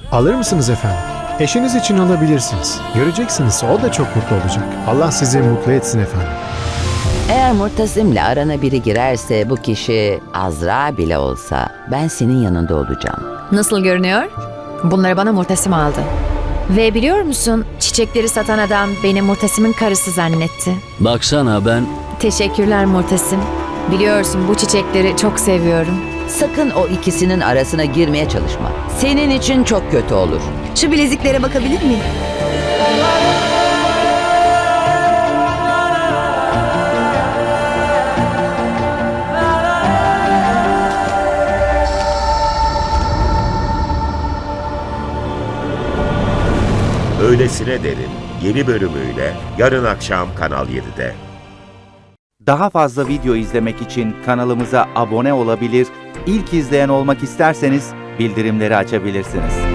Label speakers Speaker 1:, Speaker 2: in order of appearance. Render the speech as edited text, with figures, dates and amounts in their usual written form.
Speaker 1: Alır mısınız efendim? Eşiniz için alabilirsiniz. Göreceksiniz, o da çok mutlu olacak. Allah sizi mutlu etsin efendim.
Speaker 2: Eğer Murtasim'le arana biri girerse, bu kişi Azra bile olsa, ben senin yanında olacağım.
Speaker 3: Nasıl görünüyor? Bunları bana Murtasim aldı. Ve biliyor musun, çiçekleri satan adam beni Murtasim'in karısı zannetti.
Speaker 4: Baksana ben...
Speaker 3: Teşekkürler Murtasim. Biliyorsun bu çiçekleri çok seviyorum.
Speaker 2: Sakın o ikisinin arasına girmeye çalışma. Senin için çok kötü olur.
Speaker 5: Şu bileziklere bakabilir miyim?
Speaker 6: Öylesine Derin yeni bölümüyle yarın akşam Kanal 7'de.
Speaker 7: Daha fazla video izlemek için kanalımıza abone olabilir, ilk izleyen olmak isterseniz bildirimleri açabilirsiniz.